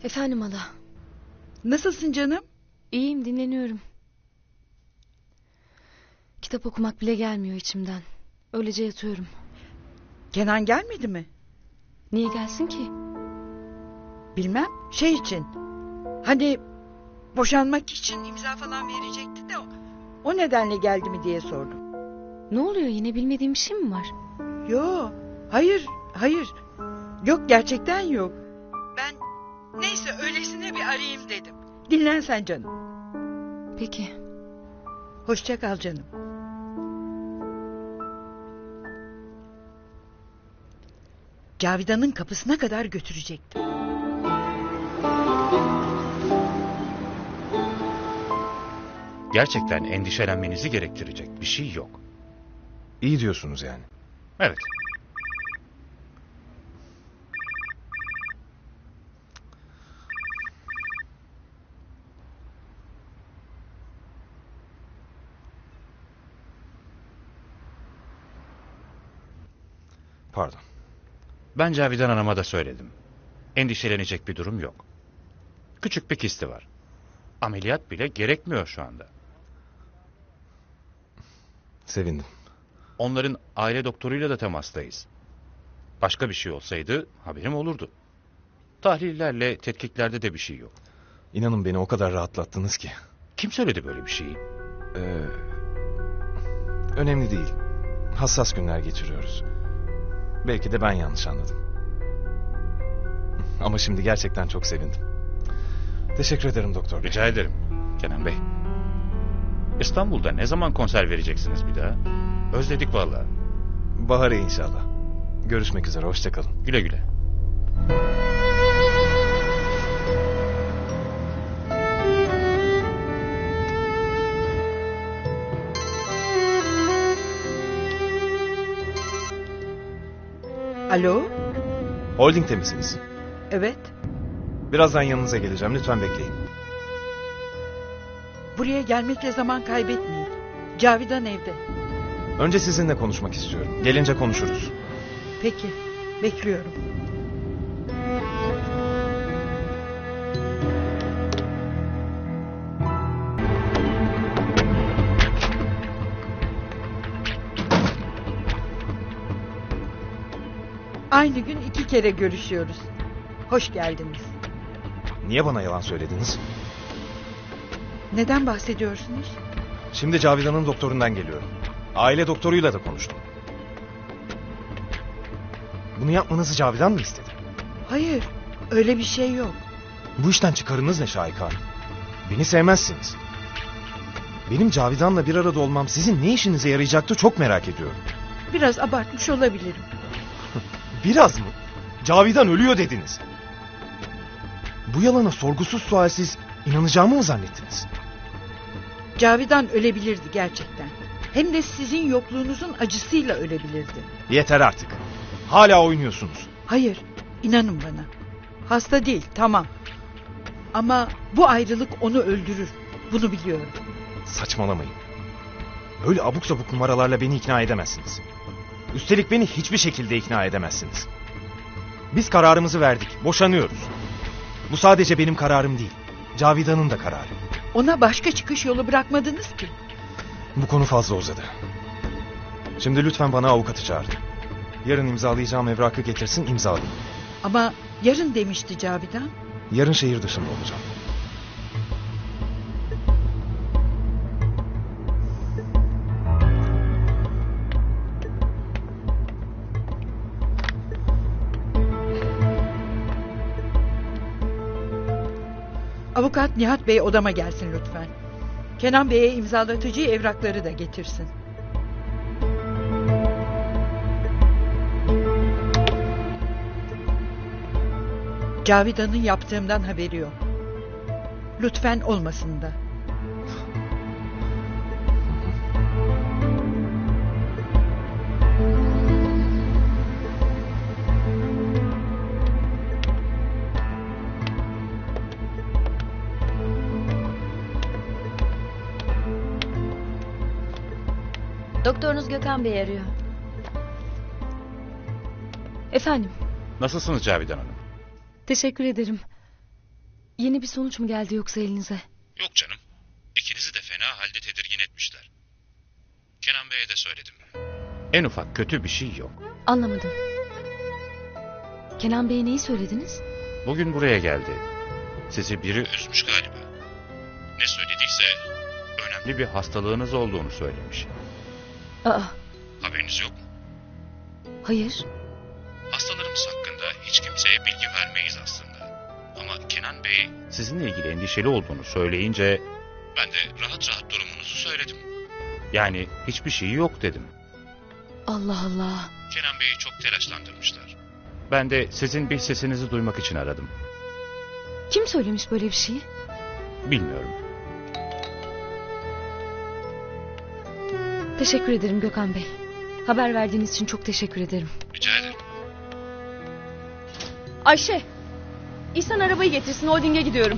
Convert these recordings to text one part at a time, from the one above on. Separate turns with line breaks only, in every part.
Efendim hala.
Nasılsın canım?
İyiyim, dinleniyorum. Kitap okumak bile gelmiyor içimden. Öylece yatıyorum.
Kenan gelmedi mi?
Niye gelsin ki?
Bilmem. Şey için. Hani boşanmak için imza falan verecekti de o nedenle geldi mi diye sordum.
Ne oluyor, yine bilmediğim bir şey mi var?
Yo, hayır. Yok, gerçekten yok. Ben neyse öylesine bir arayayım dedim. Dinlen sen canım.
Peki.
Hoşça kal canım. Cavidan'ın kapısına kadar götürecektim.
Gerçekten endişelenmenizi gerektirecek bir şey yok.
İyi diyorsunuz yani.
Evet.
Pardon.
Ben Cavidan Hanım'a da söyledim. Endişelenecek bir durum yok. Küçük bir kisti var. Ameliyat bile gerekmiyor şu anda.
Sevindim.
Onların aile doktoruyla da temastayız. Başka bir şey olsaydı haberim olurdu. Tahlillerle tetkiklerde de bir şey yok.
İnanın beni o kadar rahatlattınız ki.
Kim söyledi böyle bir şeyi?
Önemli değil. Hassas günler geçiriyoruz. Belki de ben yanlış anladım. Ama şimdi gerçekten çok sevindim. Teşekkür ederim doktor bey.
Rica ederim Kenan Bey. İstanbul'da ne zaman konser vereceksiniz bir daha? Özledik vallahi.
Bahar'a inşallah. Görüşmek üzere, hoşça kalın.
Güle güle.
Alo?
Holding'te misiniz?
Evet.
Birazdan yanınıza geleceğim, lütfen bekleyin.
Buraya gelmekle zaman kaybetmeyin. Cavidan evde.
Önce sizinle konuşmak istiyorum. Gelince konuşuruz.
Peki. Bekliyorum. Aynı gün 2 kere görüşüyoruz. Hoş geldiniz.
Niye bana yalan söylediniz?
Neden bahsediyorsunuz?
Şimdi Cavidan'ın doktorundan geliyorum. Aile doktoruyla da konuştum. Bunu yapmanızı Cavidan mı istedi?
Hayır, öyle bir şey yok.
Bu işten çıkarınız ne Şahika Hanım? Beni sevmezsiniz. Benim Cavidan'la bir arada olmam sizin ne işinize yarayacaktı çok merak ediyorum.
Biraz abartmış olabilirim.
Biraz mı? Cavidan ölüyor dediniz. Bu yalana sorgusuz sualsiz inanacağımı mı zannettiniz?
Cavidan ölebilirdi gerçekten. Hem de sizin yokluğunuzun acısıyla ölebilirdi.
Yeter artık. Hala oynuyorsunuz.
Hayır, inanın bana. Hasta değil, tamam. Ama bu ayrılık onu öldürür. Bunu biliyorum.
Saçmalamayın. Böyle abuk sabuk numaralarla beni ikna edemezsiniz. Üstelik beni hiçbir şekilde ikna edemezsiniz. Biz kararımızı verdik. Boşanıyoruz. Bu sadece benim kararım değil. Cavidan'ın da kararı.
Ona başka çıkış yolu bırakmadınız ki.
Bu konu fazla uzadı. Şimdi lütfen bana avukatı çağırın. Yarın imzalayacağım evrakı getirsin, imzalayayım.
Ama yarın demişti Cavidan.
Yarın şehir dışında olacağım.
Avukat Nihat Bey odama gelsin lütfen. Kenan Bey'e imzalatıcı evrakları da getirsin. Cavidan'ın yaptığımdan haberi yok. Lütfen olmasın da.
Doktorunuz Gökhan Bey arıyor.
Efendim,
Nasılsınız Cavidan Hanım?
teşekkür ederim. Yeni bir sonuç mu geldi yoksa elinize?
Yok canım. İkinizi de fena halde tedirgin etmişler. Kenan Bey'e de söyledim. En ufak kötü bir şey yok.
Anlamadım. Kenan Bey'e neyi söylediniz?
Bugün buraya geldi. Sizi biri üzmüş galiba. Ne söylediyse önemli bir hastalığınız olduğunu söylemiş.
Aa,
Haberiniz yok mu?
hayır.
Hastalarımız hakkında hiç kimseye bilgi vermeyiz aslında. Ama Kenan Bey sizinle ilgili endişeli olduğunu söyleyince ben de rahat rahat durumunuzu söyledim. Yani hiçbir şey yok dedim.
Allah Allah.
Kenan Bey'i çok telaşlandırmışlar. Ben de sizin bir sesinizi duymak için aradım.
Kim söylemiş böyle bir şeyi?
Bilmiyorum.
Teşekkür ederim Gökhan Bey. Haber verdiğiniz için çok teşekkür ederim.
Rica ederim.
Ayşe, İhsan arabayı getirsin, holdinge gidiyorum.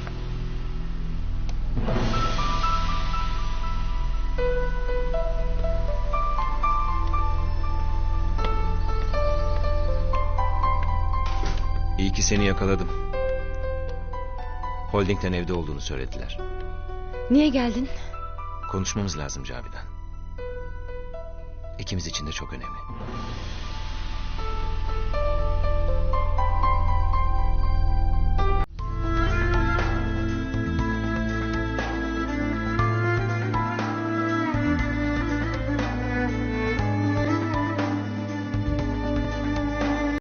İyi ki seni yakaladım. Holding'den evde olduğunu söylediler.
Niye geldin?
Konuşmamız lazım Cavidan. İkimiz için de çok önemli.